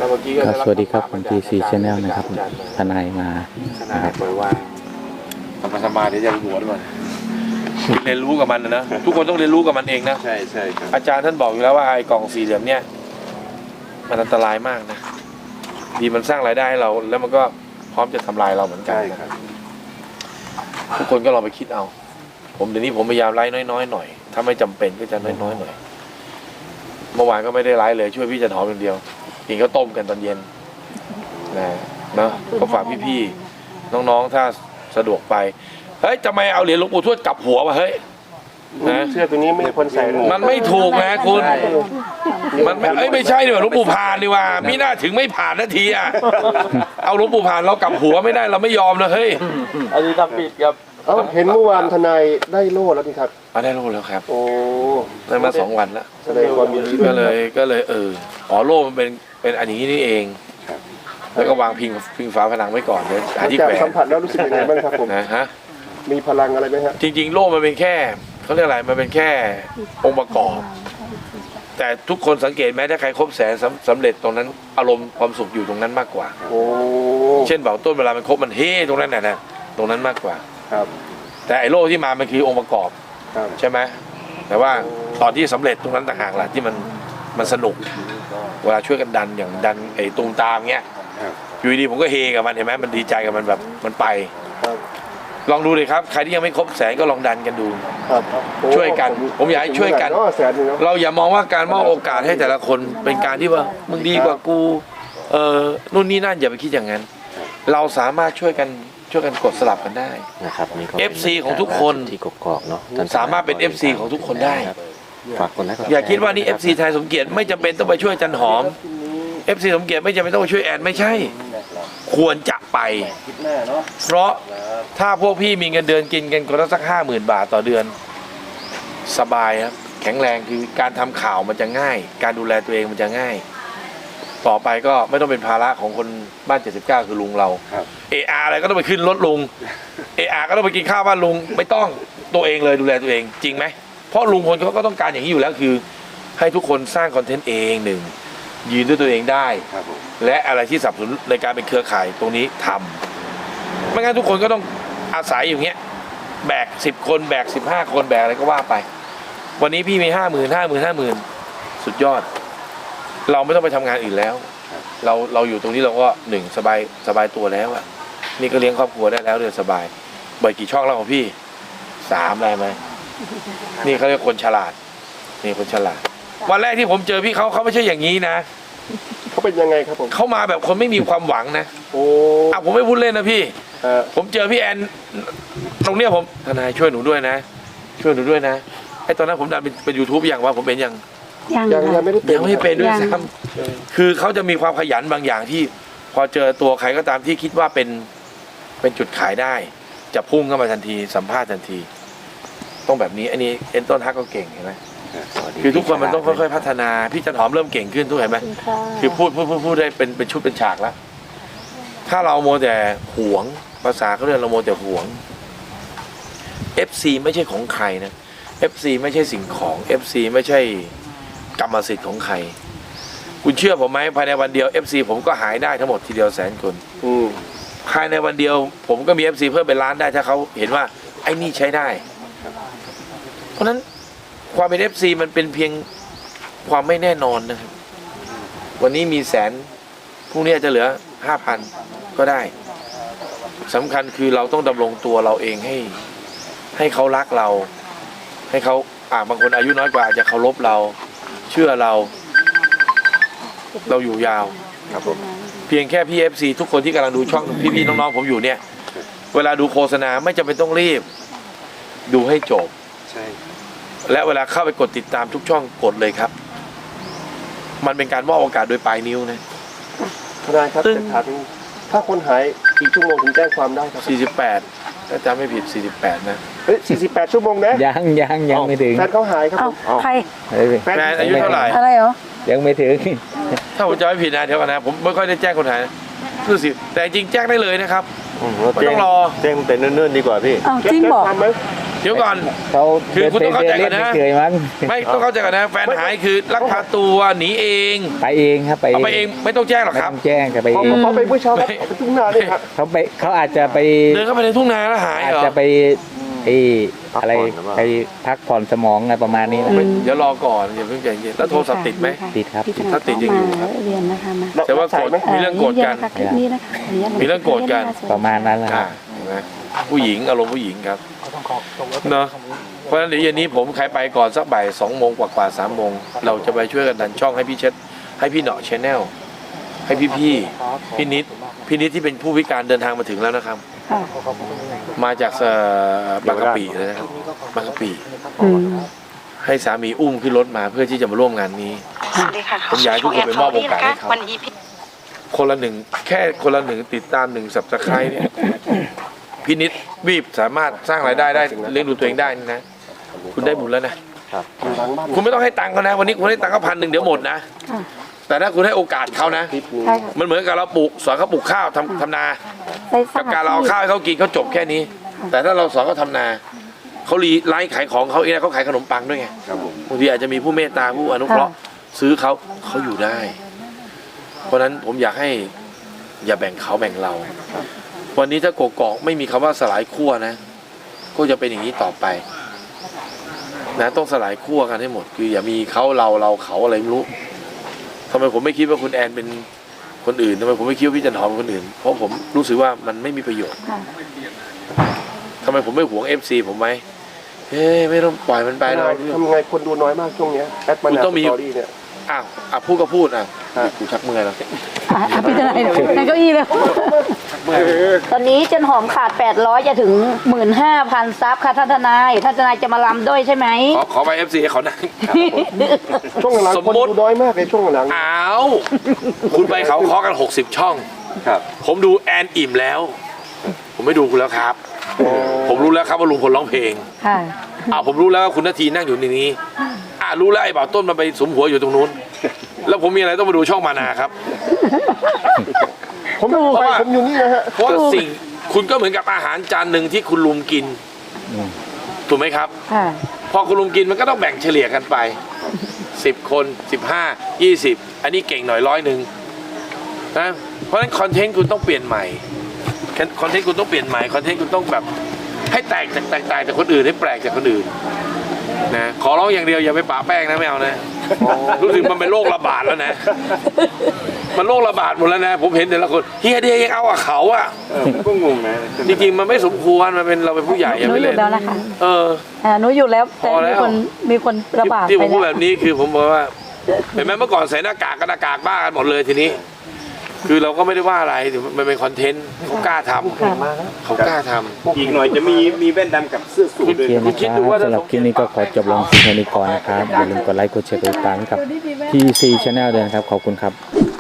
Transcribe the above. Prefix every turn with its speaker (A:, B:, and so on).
A: ครับสวัสดีครับผม TC Channel นะครับทนายมานะครับ
B: ปล่อยว่างธรรมะเดี๋ยวจะบวชก่อนเรียนรู้กับมันนะทุกคนต้องเรียนรู้กับมันเองนะ
C: ใช่ใช่ครับ
B: อาจารย์ท่านบอกอยู่แล้วว่าไอ้กล่องสี่เหลี่ยมเนี่ยมันอันตรายมากนะดีมันสร้างรายได้ให้เราแล้วมันก็พร้อมจะทำลายเราเหมือนกัน
C: ใช่ครับ
B: ทุกคนก็ลองไปคิดเอาผมเดี๋ยวนี้ผมพยายามไลฟ์น้อยๆหน่อยถ้าไม่จำเป็นก็จะน้อยๆหน่อยเมื่อวานก็ไม่ได้ไลฟ์เลยช่วยพี่จันหอมอย่างเดียวกินข้าวต้มกันตอนเย็นนะเนาะก็ฝากพี่ๆน้องๆถ้าสะดวกไปเฮ้ยทำไมเอาเหรียญหลวงปู่ทวดกลับหัววะเฮ้ยนะ
C: เสื้อตัวนี้ไม่ควรใส่เลย
B: มันไม่ถูกนะคุณมันไม่ใช่ดิว่าหลวงปู่ผ่านดีว่ามิน่าถึงไม่ผ่านนาทีอ่ะเอาหลวงปู่ผ่านเรากลับหัวไม่ได้เราไม่ยอมนะเฮ้ย
D: อันนี้ทำผิดครับ
C: เอ้าเห็นเมื่อวานทนายได้โล่แล้วนี่ครับ
B: ได้โล่แล้วครับ
C: โอ้
B: ได้มา2 วันแล้ว
C: แสดงความยินดีด้
B: ก็
C: วย
B: เลยอ๋อโล่มันเป็นอันอย่างนี้นี่เองแล้วก็วางพิงฝาผนังไว้ก่อนเลยหาที่
C: จาก
B: แขวน
C: สัมผัสแล้วรู้สึกยังไงบ้างครับผม
B: นะฮะ
C: มีพลังอะไรไหมฮะ
B: จริงๆโล่มันเป็นแค่เขาเรียกอะไรมันเป็นแค่องค์ประกอบ แต่ทุกคนสังเกตไหมถ้าใครครบแสนสำเร็จตรงนั้นอารมณ์ความสุขอยู่ตรงนั้นมากกว่า
C: โอ้
B: เช่นเบาต้นเวลามันครบมันเฮ้ตรงนั้นน่ะนะตรงนั้นมากกว่า
C: ครับ
B: แต่ไอ้โล่ที่มามันคือองค์ประกอบ
C: ครับ
B: ใช่ไหมแต่ว่าตอนที่สำเร็จตรงนั้นต่างหากแหละที่มันสนุกเวลาช่วยกันดันอย่างดันไอ้ตูมตามเงี้ย
C: ครับ
B: อยู่ดีผมก็เฮกับมันเห็นไหมมันดีใจกับมันแบบมันไป
C: ครับ
B: ลองดูเลยครับใครที่ยังไม่ครบแสนก็ลองดันกันดู
C: ครับโอ้
B: ช่วยกันผมอยากให้ช่วยกัน
C: แสนหนึงเนาะ
B: เราอย่ามองว่าการมอบโอกาสให้แต่ละคนเป็นการที่ว่ามึงดีกว่ากูนู่นนี่นั่นอย่าไปคิดอย่างนั้น เราสามารถช่วยกันกดสลับกันได้
A: นะครับนี่ก็
B: FC ของทุกคน
A: ที่กกอกเนาะ
B: สามารถเป็น FC ของทุกคนได้
A: ฝากกดไลค์กดแชร์
B: อย่าคิดว่านี่ FC ไทยสมเกียรติไม่จำเป็นต้องไปช่วยจันหอม FC สมเกียรติไม่จำเป็นต้องไปช่วยแอนไม่ใช่ ควรจะไป เพราะถ้าพวกพี่มีเงินเดือนกินกันคนละสัก50,000 บาทต่อเดือน สบายครับแข็งแรงคือการทำข่าวมันจะง่าย การดูแลตัวเองมันจะง่าย ต่อไปก็ไม่ต้องเป็นภาระของคนบ้าน79คือลุงเรา
C: ครับ
B: AR อะไรก็ต้องไปขึ้นรถลุง AR ก็ต้องไปกินข้าวบ้านลุงไม่ต้องตัวเองเลยดูแลตัวเองจริงไหมเพราะลุงคนเขาก็ต้องการอย่างนี้อยู่แล้วคือ ให้ทุกคนสร้างคอนเทนต์เองหนึ่งยืนด้วยตัวเองได้
C: ครับผม
B: และอะไรที่สนับสนุนในการเป็นเครือข่ายตรงนี้ทำไม่งั้นทุกคนก็ต้องอาศัยอย่างเงี้ยแบก10 คนแบก15 คนแบกอะไรก็ว่าไป วันนี้พี่มี50,000 50,000สุดยอด เราไม่ต้องไปทำงานอื่นแล้ว เราอยู่ตรงนี้เราก็1สบายตัวแล้วอะนี่ก็เลี้ยงครอบครัวได้แล้วเดือนสบายเบิดกี่ช่องแล้วของพี่3ได้ไหมนี่เขาเรียกคนฉลาดนี่คนฉลาด วันแรกที่ผมเจอพี่เขาไม่ใช่อย่างนี้นะ
C: เขาเป็นยังไงครับผม
B: เขามาแบบคนไม่มีความหวังนะ
C: โอ้
B: ผมไม่พูดเล่นนะพี่
C: ฮะ
B: ผมเจอพี่แอนตรงเนี้ยผมทนายช่วยหนูด้วยนะ ช่วยหนูด้วยนะไอ้ตอนนั้นผมดันเป็น YouTube อย่างว่าผมเป็นยัง
C: ยังไม่ได้เป็น
B: ยังไม่เป็นด้วย
C: ครับ
B: ซ้ำคือเขาจะมีความขยันบางอย่างที่ พอเจอตัวใครก็ตามที่คิดว่าเป็นจุดขายได้ จะพุ่งเข้ามาทันทีสัมภาษณ์ทันที ต้องแบบนี้อันนี้เอ็นต้นฮักก็เก่งเห็นไหมคือทุกคนมันต้องค่อยๆพัฒนาพี่จันหอมเริ่มเก่งขึ้นทุกเห็นไหมคือพูดได้เป็นชุดเป็นฉากแล้วถ้าเราโมวแต่หวงภาษาเขาเรียกเราโมวแต่หวง FC ไม่ใช่ของใครนะ FC ไม่ใช่สิ่งของ FC ไม่ใช่กรรมสิทธิ์ของใครคุณเชื่อผมไหมภายในวันเดียว FC ผมก็หายได้ทั้งหมดทีเดียว100,000 คน
C: อืม
B: ภายในวันเดียวผมก็มี FC เพิ่มเป็นล้านได้ถ้าเขาเห็นว่าไอ้นี่ใช้ได้ เพราะฉะนั้นความเป็น FC มันเป็นเพียงความไม่แน่นอนนะครับวันนี้มี100,000พรุ่งนี้อาจจะเหลือ 5,000 ก็ได้สำคัญคือเราต้องดำรงตัวเราเองให้เขารักเรา ให้เขาบางคนอายุน้อยกว่าอาจจะเคารพเราเชื่อเราอยู่ยาวครับผมเพียงแค่พี่ FC ทุกคนที่กำลังดูช่องพี่ๆน้องๆผมอยู่เนี่ยเวลาดูโฆษณาไม่จำเป็นต้องรีบดูให้จบ
C: ใช่
B: และเวลาเข้าไปกดติดตามทุกช่องกดเลยครับมันเป็นการมอบโอกาสโดยปลายนิ้วนะ
C: ทนายครับ
B: ตึ้ง
C: จะถามถ้าคนหายกี่ชั่วโมงถึงแจ้งความได้ครับ
B: 48ถ้าจำไม่ผิด48นะ
C: เฮ้ย48 ชั่วโมงนะ
A: ยังไม่ถึง
C: แฟนเขาหายครับ
E: เอ้า
C: ผม
E: ใคร
B: แฟนอายุเท่าไหร่
E: อะไรเหรอ
A: ยังไม่ถึง
B: ถ้าผมจำไม่ผิดนะเดี๋ยวก่อนนะผมไม่ค่อยได้แจ้งคนหายนะรู้สิแต่จริงแจ้งได้เลยนะครับไม่ต้องรอ
D: แจ้งแต่เนิ่นๆดีกว่าพี่
E: เอ้า
C: แจ้
E: จริงบอก
C: ความไหม
B: เดี๋ยวก่อน
A: เขา
B: คือคุณต้องเข้าใจก่อนนะ
A: ไม่เคยมั้ง
B: ไม่ต้องเข้าใจก่อนนะแฟนหายคือลักพาตัวหนีเอง
A: ไปเองครับไป
B: เอาไปเองไม่ต้องแจ้งหรอก
A: ไม่
B: ครั
A: ต้
B: บ
A: องแจ้งแต่ไป
C: พอ
A: เอง
C: พอไปเมื่อเช้าครับเอาไปทุ่งนาเลยครับ
A: เขาอาจจะไป
B: เดินเข้าไปในทุ่งนาแล้วหาย
A: อาจ
B: เหรอ
A: จะไปอะไรไปพักผ่อนสมองอะไรประมาณนี้นะ
B: เดี๋ยวรอก่อนอย่าเพิ่งใจเย็นแล้วโทรศัพท์ติดไหม
A: ติดครับ
E: ที่
B: ถ้าติดยังอยู่ครับ
E: เรียนนะคะมา
B: แต่ว่าโกรธมีเรื่องโกรธกัน
E: คลิปนี้นะคะขออนุญาต
B: มีเรื่องโกรธกัน
A: ประมาณนั้นแหละค
B: อ่า
A: รับ
B: เห็นไหมผู้หญิงอารมณ์ผู้หญิงครับเนาะเพราะฉะนั้นเดี๋ยวเย็นนี้ผมใครไปก่อนสักบ่าย2 โมงกว่าๆ3 โมงเราจะไปช่วยกันดันช่องให้พี่เช็ดให้พี่เหนาะชแนลให้พี่นิดที่เป็นผู้พิการเดินทางมาถึงแล้วนะครับ
E: ค่ะ
B: มาจากบางกะปิเลยนะครับบางกะปิ
E: อืม
B: ให้สามีอุ้มขึ้นรถมาเพื่อที่จะมาร่วมงานนี้
F: สวัสดีค่ะ
B: ผมอยากให้ทุกคนไปมอบโอกาสให้เขา
F: วันนี้พี่
B: คนละหนึ่งแค่คนละหนึ่งติดตาม1 Subscribe เนี่ยพี่นิดบีบสามารถสร้างรายได้เลี้ยงดูตัวเองได้นี่นะคุณได้บุญแล้วนะ
C: อยู่หลังบ้าน
B: คุณไม่ต้องให้ตังค์เขานะวันนี้คุณให้ตังค์เขา1,000เดี๋ยวหมดนะ
E: ค่ะ
B: แต่ถ้าคุณให้โอกาสเขานะ
C: คลิปนี้
E: ใช่ค่ะ
B: มันเหมือนกับเราปลูกสอนเขาปลูกข้าวทำนา
E: ได้สร้า
B: กับ
E: ง
B: การเราเอาข้าวให้เขากินเขาจบแค่นี้ แต่ถ้าเราสอนเขาทำนาเขาไลฟ์ขายของเขาเองนะเขาขายขนมปังด้วยไง
C: ครับผม
B: บางทีอาจจะมีผู้เมตตาผู้อนุเคราะห์ซื้อเขาอยู่ได้ เพราะฉะนั้นผมอยากให้อย่าแบ่งเขาแบ่งเรา วันนี้ถ้าโกกอกไม่มีคำว่าสลายขั้วนะ ก็จะเป็นอย่างนี้ต่อไปนะต้องสลายขั้วกันให้หมด คืออย่ามีเขาเราเขาอะไรไม่รู้ทำไมผมไม่คิดว่าคุณแอนเป็นคนอื่นทำไมผมไม่คิดว่าพี่จันหอมเป็นคนอื่น เพราะผมรู้สึกว่ามันไม่มีประโยชน์
E: ค่ะ
B: ทำไมผมไม่หวง FC ผมไหมเฮ้ยไม่ต้องปล่อยมันไปหรอก
C: ทำไงคนดูน้อยมากช่วงเนี้ยแอดมา
B: คุณ
C: นา
B: ต้องมี
C: สตอรี่เนี่ย
B: อ้าวพูดก็พูดอ่ะกูชักเมื่อยแล้ว
E: พี่ทนายในเก้าอี้เลยตอนนี้จันหอมขาด800จะถึง 15,000 ซับค่ะท่านทนายท่านทนายจะมาลำด้วยใช่ไหม
B: ขอไป FC ให้เขานั่ง
C: ช่วงหลัง
B: สม
C: คน
B: มุติ
C: ดูน้อยมากในช่วงหลัง
B: อ้าวคุณไปเขาเคาะกัน60 ช่อง
C: ครับ
B: ผมดูแอนอิ่มแล้ว ผมไม่ดูคุณแล้วครับ ผมรู้แล้วครับว่าลุงพลร้องเพลง
E: ค่ะ
B: ผมรู้แล้วว่าคุณนาทีนั่งอยู่ในนี้รู้แล้วไอ้บ่าวต้นมันไปสมหัวอยู่ตรงนู้น แล้วผมมีอะไรต้องมาดูช่องมานาครับ
C: ผมดูไปผมอยู่นี่นะฮะ
B: เพราะว่าสิ่งคุณก็เหมือนกับอาหารจานหนึ่งที่คุณลุงกิน ถูกไหมครับ
E: ค่ะ
B: พอคุณลุงกินมันก็ต้องแบ่งเฉลี่ยกันไป10 คน15 20อันนี้เก่งหน่อย100นะเพราะฉะนั้นคอนเทนต์คุณต้องเปลี่ยนใหม่คอนเทนต์คุณต้องเปลี่ยนใหม่คอนเทนต์คุณต้องแบบให้แตกจากคนอื่นให้แปลกจากคนอื่นนะขอร้องอย่างเดียวอย่าไปปะแป้งนะไม่เอานะรู้สึกมันเป็นโรคระบาดแล้วนะ มันโรคระบาดหมดแล้วนะผมเห็นแต่ละคนเฮียเดียยังเอากับเขาอ่ะ
C: ก็งงนะ
B: จริงๆมันไม่สมควรมันเป็นเราเป็นผู้ใหญ่
E: ห
B: อย่า
E: นู
B: ไป
E: หยุ
B: เล่
E: ด
B: น
E: แล้วนะคะ
B: เ
E: หนูหยุดแล้วแต่
B: พอแล้ว
E: มีคนระบาด
B: ที่ผ
E: ไป
B: มพูด
E: แล้
B: แบ
E: ว
B: บนี้คือผมบอกว่าเห็นไหมเมื่อก่อนใส่หน้ากากกันหน้ากากบ้ากันหมดเลยทีนี้ คือเราก็ไม่ได้ว่าอะไรมันเป็นคอนเทนต์เขากล้าทำเขากล้าทำ
C: อีกหน่อยจะมีแว่นดำกับเสื้อสูทด้วย
A: โอเคนะครับสำหรับคลิปนี้ก็ขอจบลงเพียงเท่านี้ก่อนนะครับอย่าลืมกดไลค์กดแชร์กดติดตามกับ TC Channel ด้วยนะครับขอบคุณครับ